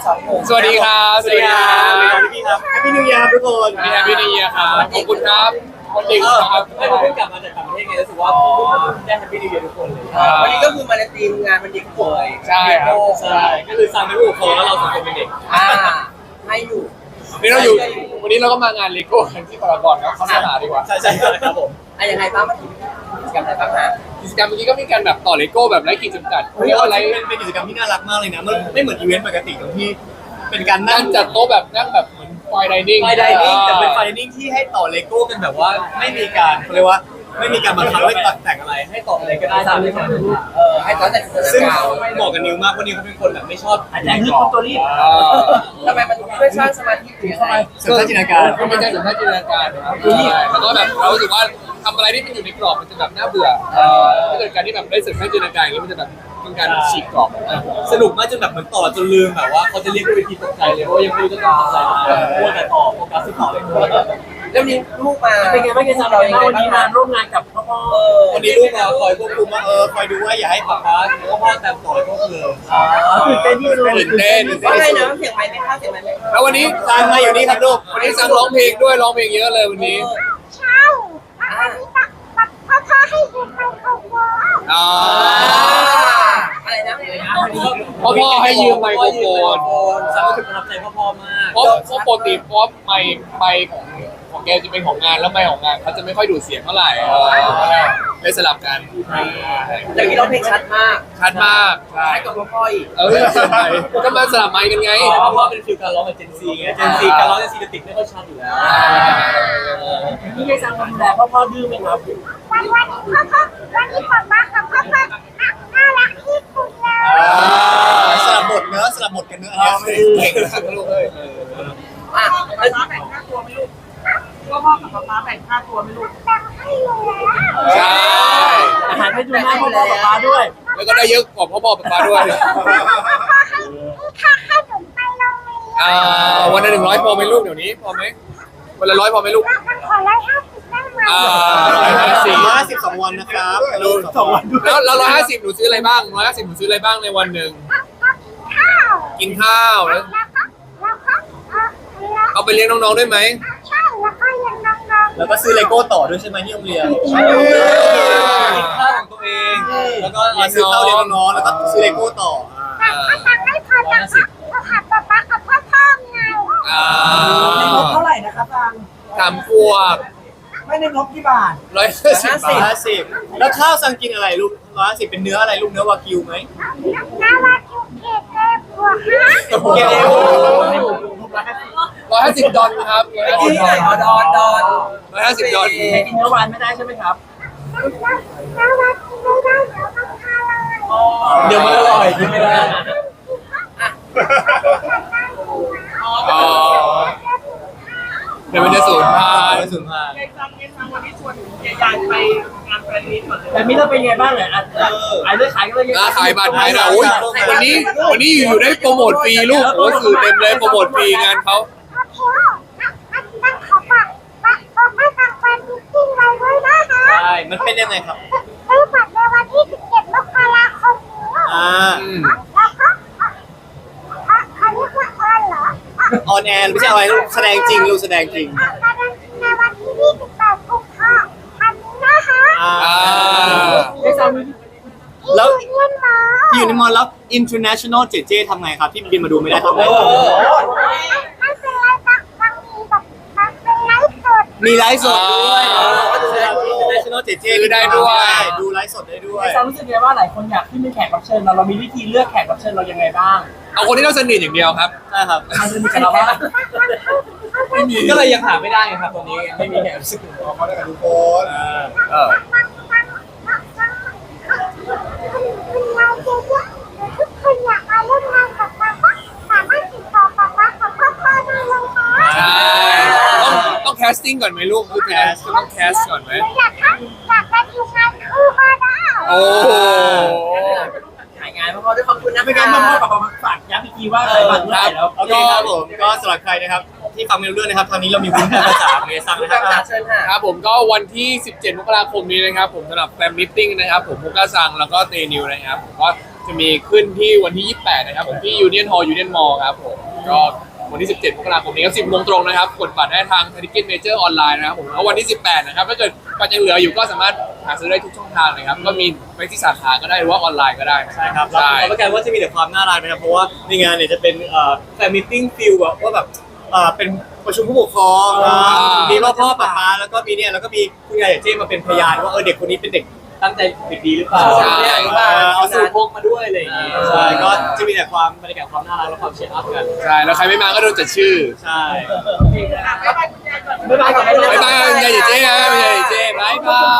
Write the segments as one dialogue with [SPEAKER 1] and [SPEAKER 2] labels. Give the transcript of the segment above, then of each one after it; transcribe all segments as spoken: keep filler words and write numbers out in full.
[SPEAKER 1] สองหนุ่ม
[SPEAKER 2] สวัสดีครับสวัสดีครับพี่ครับ
[SPEAKER 3] แฮปปี้นิวเยียร์ครับทุกคน
[SPEAKER 2] พี่แฮปปี้นิวเยียร์ครับขอบคุณครับวันเด็กครับ
[SPEAKER 1] ไม่ผมเพิ่งกลับมาจากต่างประเทศไงรู้สึกว่าได้แฮปปี้นิวเยียร์ทุกคนเลยวันนี้ก็คือมาในทีมงานวันเด็กป่วย
[SPEAKER 2] ใช่ครับ
[SPEAKER 1] ใช่ก็คือซังเป็นผู้ปกครองแล้วเราสองคนเป็นเด็กอ่าให้อยู่
[SPEAKER 2] วันนี้เราอยู่วันนี้เราก็มางานเลโก้กันที่พารากอนครับเขาสนาดีกว่า
[SPEAKER 1] ใช่ใช่ครับผมอ่ะยังไงบ้างมากิจกรรมอะไรบ้างฮะ
[SPEAKER 2] กิจกรรมเมื่อกี้ก็มีการแบบต่อเลโก้แบบไร้ขีดจำกัด
[SPEAKER 3] เฮ้ย
[SPEAKER 2] เรียกว่าอะไร
[SPEAKER 3] เป็นเป็นกิจกรรมที่น่ารักมากเลยนะมันไม่เหมือนอีเวนต์ปกติตรงที่เป็นการนั่
[SPEAKER 2] นั่
[SPEAKER 3] ง
[SPEAKER 2] งจัดโต๊ะแบบนั่งแบบเหมือนไฟไดนิ่ง
[SPEAKER 3] ไฟไดนิ่งแต่เป็นไฟไดนิ่งที่ให้ต่อเลโก้กันแบบว่าไม่มีการเขาเรียกว่าไม่มีการบังคับให้แต่งอะไรให้ต่ออะไรก็ได้ตามที่เขา
[SPEAKER 1] เออให้ตอนแต่งตัว
[SPEAKER 3] ซึ่ง
[SPEAKER 1] กาว
[SPEAKER 3] เหมาะกับนิวมากเพราะนิวเขาเป็นคนแบบไม่ชอบ
[SPEAKER 1] แต่งคือคนตัวรีบทำไมมันช่วยสร้างสมาธิหรืออะไร
[SPEAKER 3] เสริมสร้างจินตนาการ
[SPEAKER 2] ก็ไม่ใช่ถึงแค่จินตนาการนะครับใช่แล้วก็แบบเรารู้สึกว่าทำอะไรที่มันอยู่ในกรอบมันจะแบบน่าเบื่อถ้าเกิดการที่แบบได้เสริมแค่จินตนาการอย่างนี้มันจะแบบเป็นการฉีกกรอบ
[SPEAKER 3] สนุกมากจนแบบเหมือนต่อจนลืมแบบว่าเขาจะเรียกด้วยวิธีตกใจเลยเพราะว่ายังไม่รู้จะทำอะไรมัวแต่ต่อโฟกัสที่ต่อเลย
[SPEAKER 1] แล้วนี้ลูกมา
[SPEAKER 4] เป็นไงบ้างเกษตรเราเองวันนี้มาร่วมงานกับพ่อพ่อ
[SPEAKER 3] วันนี้ลูกมาคอยควบคุมว่าเออคอยดูว่าอย่าให้ป๊าป๊าหรือว่าพ่อตามต่อก็คือ
[SPEAKER 4] ตื่นเต้นที่สุด
[SPEAKER 2] ตื่นเต้น
[SPEAKER 1] ว่าไงนะเสียงไม้ไม่เข้าเสียงไม้ไม่เข้า
[SPEAKER 2] แล้ววันนี้
[SPEAKER 3] ตามมาอยู่นี่ครับลูก
[SPEAKER 2] วันนี้สั่งร้องเพลงด้วยร้องเพลงเยอะเลยวันนี้
[SPEAKER 5] ใช่อันนี้ตักตักพ่อพ่อให้ยืมไมโครโฟน
[SPEAKER 2] อ่า
[SPEAKER 1] อะไรนะ
[SPEAKER 2] พ่อพ่อให้ยืมไมโครโฟน
[SPEAKER 3] ซังก็ถึงประทับใจพ่อพ่อมาก
[SPEAKER 2] เพราะเพราะปกติเพราะไมค์ไมค์ของของแกจะเป็นของงานแล้วไมค์ของงานเขาจะไม่ค่อยดูดเสียงเท่าไหร่เออเลยสลับกัน
[SPEAKER 1] แต่นี้เราเพลงชัดมาก
[SPEAKER 2] ชัดมากใช่
[SPEAKER 1] ใช่กับพ่ออีก
[SPEAKER 2] เออก็มาสลับไมค์กันไง
[SPEAKER 3] พ่อพ่อเป็นฟิลการร้องแบบเจนซีไงเจนซีการร้องเจนซีจะติดไม่ค่อยชัดอยู่แล้ว
[SPEAKER 4] พี่เกษตรดูแลพ่อพ่อดื้อไหมครับ
[SPEAKER 5] วันวันนี้พ่อพ่อวันนี้ป๊าป๊ากับพ่อพ่อน่ารักที่สุดเลย
[SPEAKER 3] สลับบทเนื้อสลับบทกันเนื้ออันนี้เก่งมากลูกเอ้ย
[SPEAKER 1] อ่ะ
[SPEAKER 4] แบ่งค่าตัวไม่ลูกพ่อพ่อกับป๊าป๊าแบ่งค่าตัวไม่ลูก
[SPEAKER 5] แบ่งให้อยู่แล้ว
[SPEAKER 2] ใช่
[SPEAKER 4] อาหารไปดูหน้าพ่อพ่อป๊าป๊าด้วย
[SPEAKER 2] แล้วก็ได้เยอะกว่าพ่อพ่อป๊าป๊าด้วย
[SPEAKER 5] พ่อให้ค่าขนมไปโรงเรียน
[SPEAKER 2] อ่าวันละหนึ่งร้อยพอไหมลูกเดี๋ยวนี้พอไหมวันละร้อยพอไหมลูก
[SPEAKER 5] มันขอร้อยห้าสิบได้ไหม
[SPEAKER 2] อ่า
[SPEAKER 3] สี่ห้าสิบสองวันนะครับสองวัน
[SPEAKER 2] แล้วแล้วร้อยห้าสิบหนูซื้ออะไรบ้างร้อยห้าสิบหนูซื้ออะไรบ้างในวันหนึ่ง
[SPEAKER 5] ก็กินข้าว
[SPEAKER 2] กินข้าวแล้ว
[SPEAKER 5] แล้วก็แล้วก็เออแล้ว
[SPEAKER 2] เอาไปเลี้ยงน้องๆด้วยไหม
[SPEAKER 5] ใช่แล้วก็ยังน้องๆ
[SPEAKER 3] แล้วก็ซื้อเลโก้ต่อด้วยใช่ไหมที่โรงเรียนกินข้าวของตัวเอง แล้วก็ซื้อข้าวเลี้ยงน้องๆแล้วก็ซื้อเลโก้ต่อ
[SPEAKER 5] แต่ถ้าตังค์ไม่พอจะก็หาป๊าป๊ากับพ่อพ่อไง
[SPEAKER 2] อ่า
[SPEAKER 4] ในงบเท่าไหร่นะคะฟัง
[SPEAKER 2] สามขวบ
[SPEAKER 4] ไม่ในงบกี่บาท
[SPEAKER 2] ร้อยห้าสิบ
[SPEAKER 3] สี่
[SPEAKER 2] บา
[SPEAKER 3] ห้า
[SPEAKER 2] ท
[SPEAKER 3] สิบแล้วข้าวซังกินอะไรลูกร้อยห้าสิบเป็นเนื้ออะไรลูกเนื้อวากิวไหม
[SPEAKER 5] น่ารักจุกเกตเลยบัวฮะ
[SPEAKER 3] เก็บเอว
[SPEAKER 2] ร้อยห้าสิบดอลครับร้อยห้า
[SPEAKER 1] ที่
[SPEAKER 2] สิบ
[SPEAKER 1] ไหนอ๋อดอนดอน
[SPEAKER 2] ร้อยห้าสิบดอล
[SPEAKER 4] แต่กินเนื้อวานไม่ได้ใช่ไหมครับ
[SPEAKER 5] น่ารักไม่ได้เดี๋ยวมันพาเลย
[SPEAKER 3] เดี๋ยวมันอร่อยกินไม่ได้
[SPEAKER 2] อ๋อเดี๋ยวมันจะสูญพัน
[SPEAKER 3] ไม่
[SPEAKER 2] ธุ์
[SPEAKER 3] สูญพันธุ์
[SPEAKER 6] ในครั้งนี้ครั้งวันที่ชวนยายๆไปงานแฟนมีตก่อนเลย
[SPEAKER 4] แต่มิเราเป็นไงบ้างเนี่ยอ่ะขายเลือดขายก็เลย
[SPEAKER 2] ร้านขายบัตรไหนนะโอ้ยวันนี้วันนี้อยู่ๆได้โปรโมทฟรีลูกโอ้ยสื่อเต็มเลยโปรโมทฟรีงานเขา
[SPEAKER 5] โอเคอันนั้นขอฝากฝากฝากให้ทางแฟนมิตติ้งไว้ด้วยนะคะ
[SPEAKER 3] ใช่ มันเป็นยังไงครับ
[SPEAKER 5] ซื้อบัตรในวันที่สิบเจ็ดมกราคมนี้
[SPEAKER 3] อ่า
[SPEAKER 2] อืม
[SPEAKER 5] แล้วก็อ่ะอันนี้คือออนเหรออ่ะ
[SPEAKER 3] ออนแอร์ไม่ใช่อะไรลูกแสดงจริงลูกแสดงจริง
[SPEAKER 5] อ่ะในวันที่ยี่สิบแปดกุมภาพันธ์นี้นะคะ
[SPEAKER 3] อ่า
[SPEAKER 2] อ่า
[SPEAKER 4] เกษตร
[SPEAKER 3] แล้ว
[SPEAKER 5] ที่ยูเนียนมอ
[SPEAKER 3] ที่อยู่ในมอลแล้ว international เจเจทำไงครับ ที่บินมาดูไม่ได้ทำไง
[SPEAKER 5] ไม่ไม่เป็นไรค่ะมันมีแบบมันเป็นไลฟ์สด
[SPEAKER 3] มีไลฟ์สดด้วย international เจเจดูไลฟ์สดได้ด้วย
[SPEAKER 4] เกษตรรู้สึกไงว่าหลายคนอยากขึ้นเป็นแขกรับเชิญเราเรามีวิธีเลือกแขกรับเชิญเรายังไงบ้าง
[SPEAKER 2] เอาคนที่เราสนิทอย่างเดียวครับ
[SPEAKER 3] ใช่ครับ
[SPEAKER 4] ใครจะมีกับเราบ้าง
[SPEAKER 3] ไม่มีก็เลยยังหาไม่ได้ไงครับตอนนี้ไม่มีแขกรับเชิญเขาได้กับทุกคน
[SPEAKER 2] เออ
[SPEAKER 5] คุณยายเจ๊ๆทุกคนอยากมาร่วมงานกับป๊าป๊าสามารถติดต่อป๊าป๊ากับพ่อพ่อได้เลยค่ะ
[SPEAKER 2] ใช่ต้องต้องแคสติ้งก่อนไหมลูกคือเป็นต้องแคสก่อนไหม
[SPEAKER 5] อยากทำอยากจะทีมงานคู่ก็ได้
[SPEAKER 2] โอ้โห
[SPEAKER 1] ถ่ายงานพ่อด้วยขอบคุณนะ
[SPEAKER 4] ไม่งั้นพ่อพ่อกับป๊าป๊าฝากย้ำอีกทีว่าใครบัตรเมื่อไหร่แล้ว
[SPEAKER 3] โอเคครับผมก็สำหรับใครนะครับที่ฟังไม่รู้เรื่องนะครับทางนี้เรามีวุ้นภาษาเมซังนะค
[SPEAKER 1] ตา
[SPEAKER 3] รั
[SPEAKER 1] ม
[SPEAKER 3] บ
[SPEAKER 1] หาเชิญค่ะ
[SPEAKER 2] ครับผมก็วันที่สิบเจ็ดมกราคมนี้นะครับผมสำหรับแฟนมิทติ้งนะครับผมมุกาซังแล้วก็เตนิวนะครับผมก็จะมีขึ้นที่วันที่ยี่สิบแปดนะครับผมที่ยูเนียนฮอลล์ยูเนียนมอลล์ครับผมก็วันที่สิบเจ็ดมกราคมนี้ก็สิบโมงตรงนะครับกดบัตรได้ทางทิเก็ตเมเจอร์ออนไลน์นะครับผมแล้ววันที่สิบแปดนะครับถ้าเกิดบัตรยังเหลืออยู่ก็สามารถหาซื้อได้ทุกช่องทางเลยครับก็มีไปที่สาขาก็ได้หรือว่าออนไลน์ก็ได้นะ
[SPEAKER 3] ใช่ครับ
[SPEAKER 2] ใช่
[SPEAKER 3] รับประกันว่าจะมีแต่ความน่ารักนะครับเพราะว่าในงานเนี่ยจะเป็นเอ่อแฟนมิทติ้งฟิลแบบว่าแบบเอ่อเป็นประชุมผู้ปกครองมีพ่อพ่อป้าป้าแล้วก็มีเนี่ยแล้วก็มีคุณยายเจ๊มาเป็นพยานว่าเออเด็กคนนี้เป็นเด็กตั้งใจเด็กดีหรือเปล่า
[SPEAKER 1] ใช่
[SPEAKER 3] เอาสูตรพกมาด้วยอะไรอย่างเงี้ยใช่ก็จะมีแต่ความบรรยากาศความน่ารักและความเชียร์อัพกัน
[SPEAKER 2] ใช่แล้วใครไม่มาก็โดนจัดชื่อ
[SPEAKER 3] ใช่
[SPEAKER 1] บ๊ายบายก่อน
[SPEAKER 2] บ๊ายบายคุณยายเจ๊นะคุณยายเจ๊บ๊ายบาย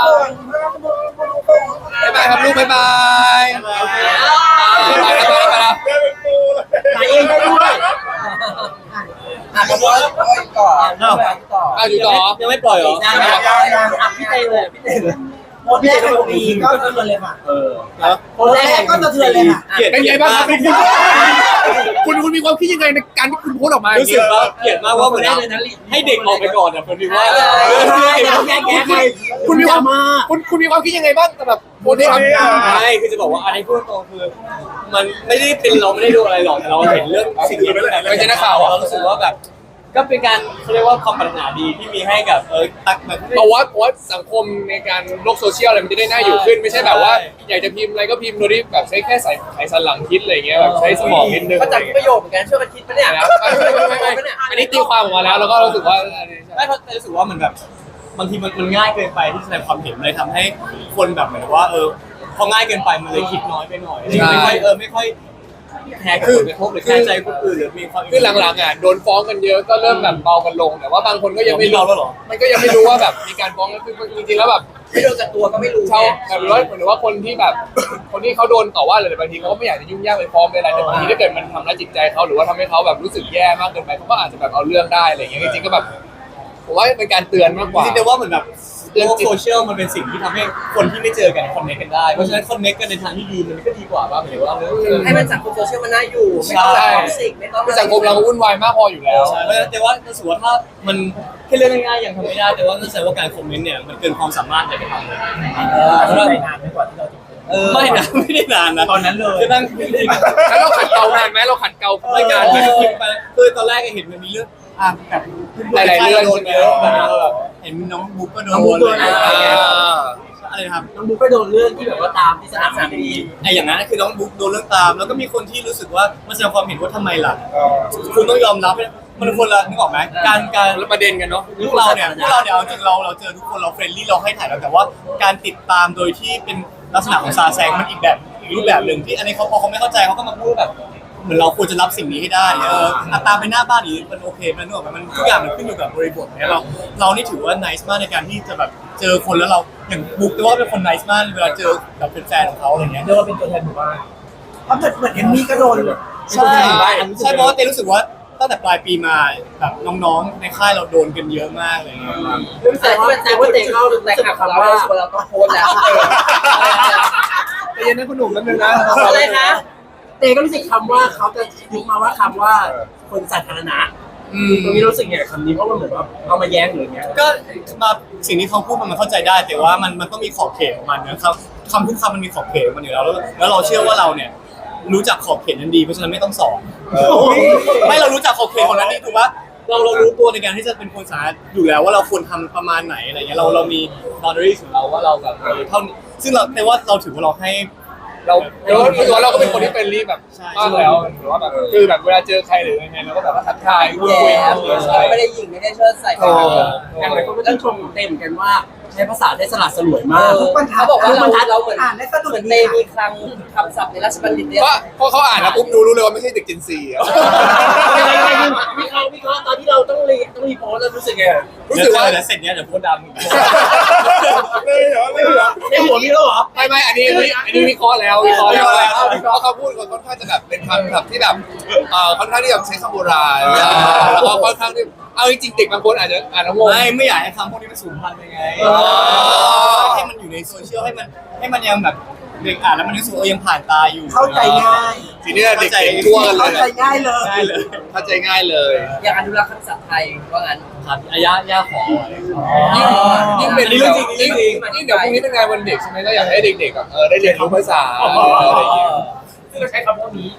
[SPEAKER 2] บ๊ายบายครับลูกบ๊ายบายบ๊ายบายแล้วบ๊ายบายแล้ว
[SPEAKER 4] ถ่ายเองได้ด้วย
[SPEAKER 1] อ่ะขอบคุณก่อนต่อ
[SPEAKER 2] อ้าวอยู่ต่อ
[SPEAKER 3] ยังไม่ปล่อยเหรอ
[SPEAKER 4] ยังยังยังอ่ะพี่เต้เลยพี่เต้เลยโพสต์แรกของปีก็สะเทือนเลยค่ะ
[SPEAKER 3] เออแล้ว
[SPEAKER 4] โพสต์แรกก็สะเทือนเลยค่ะ
[SPEAKER 3] เกลียด
[SPEAKER 2] เป็นไงบ้างครับคุณคุณคุณมีความคิดยังไงในการที่คุณโพสต์ออกมา
[SPEAKER 3] รู้สึกว่าเกลียดมากว่าเหมือนให้เด็กออกไปก่อนอ่ะคนที่ว่า
[SPEAKER 4] แยกแยะไป
[SPEAKER 2] คุณมีความคุณคุณมีความคิดยังไงบ้างสำหรับโพสต์นี้ครับ
[SPEAKER 3] ไม่คือจะบอกว่าอะไรพูดตรงคือ มันไม่ได้เป็นเราไม่ได้ดูอะไรหรอกแต่เราเห็นเรื่องสิ่งนี้เป็นแบบเรารู้สึกว่าแบบ ก็เป็นการเขาเรียกว่าความปรารถนาดีที่มีให้กับเออตักแบบ
[SPEAKER 2] เพราะว่าเพราะว่าสังคมในการโลกโซเชียลอะไรมันจะได้น่าอยู่ขึ้นไม่ใช่แบบว่าอยากจะพิมพ์อะไรก็พิมพ์โดยที่แบบใช้แค่สายสายสันหลังคิดอะไรเงี้ยแบบใช้สมองนิดนึง
[SPEAKER 1] ก็จับประโยชน์เหมือนกันช่วยกันคิดปะเนี่ย
[SPEAKER 2] อันนี้ตีความออกมาแล้วแล้วก็รู้สึกว่า
[SPEAKER 3] ไม่เพราะรู้สึกว่ามันแบบบางทีมันมันง่ายเกินไปที่แสดงความเห็นเลยทำให้คนแบบเหมือนว่าเออพอง่ายเกินไปมันเลยคิดน้อยไปหน่อยไม่ค่อยเออไม่ค่อยแคร์ผลกระทบหรือแคร์ใจคนอื่นหรือมีความ
[SPEAKER 2] คือหลังๆอ่ะโดนฟ้องกันเยอะก็เริ่มแบบเบากันลงแต่ว่าบางคนก็ยังไม่
[SPEAKER 3] เราแล้วหรอ
[SPEAKER 2] มันก็ยังไม่รู้ว่าแบบมีการฟ้องก็คือจริงๆแล้วแบบ
[SPEAKER 1] ไม่โดนกับตัวก็ไม่รู้
[SPEAKER 2] เขาแบบว่าเหมือนว่าคนที่แบบคนที่เขาโดนต่อว่าอะไรบางทีเขาก็ไม่อยากจะยุ่งยากไปฟ้องไปอะไรแต่บางทีถ้าเกิดมันทำร้ายจิตใจเขาหรือว่าทำให้เขาแบบรู้สึกแย่มากเกินไปเขาก็อาจจะแบบเอาเรื่องได้อะไรอย่างเงี้ยจริงๆก็แบบผมว่าเป็นการเตือนมากกว่า
[SPEAKER 3] จริงๆแต่ว่าเหมือนแบบโลกโซเชียลมันเป็นสิ่งที่ทำให้คนที่ไม่เจอกันคอนเนคกันได้เพราะฉะนั้นคอนเนคกันในทางที่ดีมันก็ดีกว่าป่ะหมายถึงว่าเออ
[SPEAKER 1] ให้มันสังคมโซเชียลมันน่าอยู่ไม่ต้องแบบท็อกซิกไม่ต้อง
[SPEAKER 2] คือสังคมเราก็วุ่นวายมากพออยู่แล้ว
[SPEAKER 3] ใช่แต่ว่าแต่ว่าถ้ามันแค่เรื่องง่ายๆยังทำไม่ได้แต่ว่านั่นแสดงว่าการคอมเมนต์เนี่ยมันเกินความสามารถในการทำเลย
[SPEAKER 4] เราใส่นานไปกว่าที่เราจะ
[SPEAKER 3] ไม่นะไม่ได้นานนะ
[SPEAKER 4] ตอนนั้นเลย
[SPEAKER 3] คือนั่ง
[SPEAKER 2] แล้วเราขัดเกลานานไหมเราขัดเกลา
[SPEAKER 3] ไม่
[SPEAKER 2] ไม่
[SPEAKER 3] นาน
[SPEAKER 2] าน น
[SPEAKER 3] เล
[SPEAKER 2] ไหม
[SPEAKER 3] ยคือตอนแรกเห็นมันมีเรื่องอ่ะแบบ
[SPEAKER 2] หลายๆเรื่อง
[SPEAKER 3] โดนเยอะแบบเห็นน้องบุ๊กก็โดนอะไรครับ
[SPEAKER 4] น้องบุ๊กก็โดนเรื่องที่แบบว่าตามที่สนามสนามบิน
[SPEAKER 3] ไอ้อย่างนั้นคือน้องบุ๊กโดนเรื่องตามแล้วก็มีคนที่รู้สึกว่ามันแสดงความเห็นว่าทำไมล่ะคุณต้องยอมรับมันคนละนึกออกไหมการการ
[SPEAKER 2] แล้วประเด็นกันเนาะ
[SPEAKER 3] พวกเราเนี่ยพวกเราเนี่ยเอาจริงเราเราเจอทุกคนเราเฟรนลี่เราให้ถ่ายแล้วแต่ว่าการติดตามโดยที่เป็นลักษณะของซาแซงมันอีกแบบอีกรูปแบบหนึ่งที่อันนี้เขาพอเขาไม่เข้าใจเขาก็มาพูดแบบเหมือนเราควรจะรับสิ่งนี้ให้ได้เออตามไปหน้าบ้านนี้มันโอเคมันนึกออกไหมมันทุกอย่างมันขึ้นอยู่กับบริบทเนี่ยเราเรานี่ถือว่า nice มากในการที่จะแบบเจอคนแล้วเราอย่างบุ๊กแต่ว่าเป็นคน nice มากเวลาเจอแบบเป็นแฟนของเขาอะไรเงี้ย
[SPEAKER 4] เรียกว่าเป็นตัวแทนหมู่บ้านเพราะเหมือนเหมือนเอมมี่ก็โดน
[SPEAKER 3] ใช่ใช่เพราะว่าเต้รู้สึกว่าตั้งแต่ปลายปีมาแบบน้องๆในค่ายเราโดนกันเยอะมากอะไรเงี้ย
[SPEAKER 1] แต่ที่มันแต่ว่าเตะเข้าแต่ขับเราเราต้องโพสแล้ว
[SPEAKER 2] ใจเย็นนะคุณหนุ่มแป๊บนึงนะ
[SPEAKER 1] อะไรคะ
[SPEAKER 4] เตก็รู้สึกคำว่าเขาจะยุกมาว่าคำว่าคนสาธารณะตรงนี้รู้สึกอย่างคำนี้เพราะมันเหมือนว่าเอามาแย้งหรืออย่างเงี้ย
[SPEAKER 3] ก็มาสิ่งที่เขาพูดมันเข้าใจได้ แต่ว่ามันมันต้องมีขอบเขตของมันนะครับคำทุกคำมันมีขอบเขตของมันอยู่แล้วแล้วเราเชื่อว่าเราเนี่ยรู้จักขอบเขตนั้นดีเพราะฉะนั้นไม่ต้องสอนไม่เรารู้จักขอบเขตของนั้นดีถูกปะเราเรารู้ตัวในการที่จะเป็นคนสาธารณะอยู่แล้วว่าเราควรทำประมาณไหนอะไรเงี้ยเราเรามี boundaries ของเราว่าเราแบบเออเท่านี้ซึ่งเราแต่ว่าเราถือว่าเราให้
[SPEAKER 2] เราเราตัวเราก็เป็นคนที่เป็นรีบแบบมากแล้วหรือว่าแบบคือแบบเวลาเจอใครหรือยังไงเราก็แบบทักทายพูดคุยกันใช่
[SPEAKER 1] ไม่ได้ยิงไม่ได้เชิดใส่
[SPEAKER 2] โอ้
[SPEAKER 4] อย่างไรคนก็ต้องชมเต็มกันว่าใช้ภาษาได้สลัดสลวยมาก
[SPEAKER 1] เขาบอกว่าเราเราเหมือน
[SPEAKER 5] อ่านได้สนุก
[SPEAKER 1] เหมือนเตมีคลังคำศัพท์ในราชบัณฑิตเนี่ย
[SPEAKER 2] ก็พอเขาอ่านแล้วปุ๊บรู้รู้เลยว่าไม่ใช่เด็กจินซีอ่ะ
[SPEAKER 4] วิเคราะห์วิเคราะห์ตอนที่เราต้องรีต้องรีโพสแล้วรู้สึกไง
[SPEAKER 2] รู้สึกว่า
[SPEAKER 3] เดี๋ยวเสร็จเนี้ยเดี๋ยวพูดดำ
[SPEAKER 4] ในหัวมีแล้วเหรอ
[SPEAKER 2] ไม่ไม่อันนี้อันนี้อันนี้วิเคราะห์แล้ววิเคราะห์แล้วเพราะเขาพูดค่อนข้างจะแบบเป็นคำแบบที่แบบเอ่อค่อนข้างที่แบบใช้คำโบราณแล้วก็ค่อนข้างที่เอาจริงๆเด็กบางคนอาจจะอ่านแล้วงง
[SPEAKER 3] ไม่ไม่อยากให้คำพวกนี้มันสูญพันธุ์ไปไงให้มันอยู่ในโซเชียลให้มันให้มันยังแบบเด็กอ่านแล้วมันรู้สึกว่ายังผ่านตาอยู่
[SPEAKER 4] เข้าใจง่าย
[SPEAKER 2] ทีนี้เด็กๆทั่วกันเล
[SPEAKER 4] เข้าย ใจง่ายเลย
[SPEAKER 3] ได้เลย
[SPEAKER 2] เข้าใจง่ายเลย
[SPEAKER 1] อยากอนุรักษ์คำศัพท์ไทยว่างั้น
[SPEAKER 3] ครับอายะย่าขอ
[SPEAKER 2] ยิ่งยิ่งเป็น
[SPEAKER 3] นี่เรื่องจริง
[SPEAKER 2] ยิ่ง
[SPEAKER 3] นี่เรื่องจริง
[SPEAKER 2] ยิ่งเดี๋ยวพรุ่งนี้เป็นงานวันเด็กใช่ไหมก็อยากให้เด็กๆแบบเออได้เรียนรู้ภาษาอะไรอย่างเงี้ย
[SPEAKER 1] ซึ่งเราใช้คำพวกนี้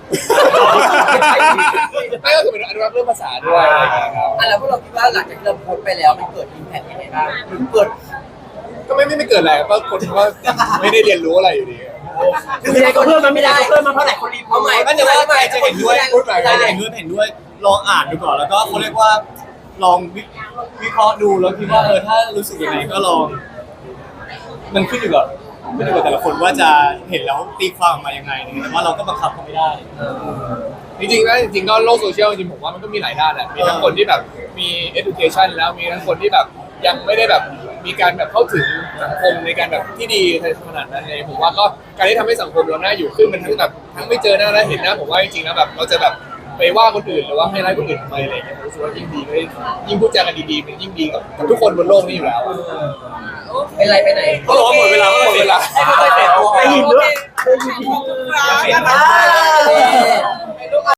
[SPEAKER 2] ไม่ก็คือเป็นอนุรักษ์เรื่องภาษาด้วยอะไรอย่างเงี้ยครับ
[SPEAKER 1] อ่ะแล้วพวกเราคิดว่าหลังจากที่เราโพสต์ไปแล้วมันเกิดอิมแพคยังไงบ้างหรือเกิด
[SPEAKER 2] ก็ไม่ไม่ไม่เกิดอะไรก็คนก็ไม่ได้เรียนรู้อะไรอยู่ดี
[SPEAKER 4] คือยังไงก็เพิ่มมันไม่ได้ก็เพิ่มมาเพราะหลายคนรีบ
[SPEAKER 1] เอาใหม่
[SPEAKER 3] ก็จะว่าใครจะเห็นด้วย
[SPEAKER 1] พูดใหม่
[SPEAKER 3] ใครจะเห็นด้วยเห็นด้วยลองอ่านดูก่อนแล้วก็เขาเรียกว่าลองวิวิเคราะห์ดูแล้วคิดว่าเออถ้ารู้สึกยังไงก็ลอง มันขึ้นอยู่กับขึ้นอยู่กับแต่ละคนว่าจะเห็นแล้วตีความออกมายังไงนะครับแต่ว่าเราก็บังคับเขาไม่ได้
[SPEAKER 2] จริงๆแล้วจริงๆก็โลกโซเชียลจริงๆผมว่ามันก็มีหลายด้านแหละมีทั้งคนที่แบบมี education แล้วมีทั้งคนที่แบบยังไม่ได้แบบมีการแบบเข้าถึงสังคมในการแบบที่ดีขนาดนั้นเลยผมว่าก็การที่ทำให้สังคมเราหน้าอยู่ขึ้นมันทั้งแบบทั้งไม่เจอหน้าและเห็นหน้าผมว่าจริงๆแล้วแบบเราจะแบบไปว่าคนอื่นหรือว่าให้ร้ายคนอื่นทำไมอะไรอย่างเงี้ยผมรู้สึกว่ายิ่งดีก็ยิ่งพูดจากันดีๆมันยิ่งดีกับกับทุกคนบนโลกนี้อยู่แล้ว
[SPEAKER 1] เป็นไรไปไหน
[SPEAKER 3] เขาบอกว่าหมดเวลา
[SPEAKER 2] หมดเวลา
[SPEAKER 1] ให้ค่อยๆเปลี่ยนตัว
[SPEAKER 4] ได้ยินด้วยได้ยิน
[SPEAKER 6] ขอบคุณครับ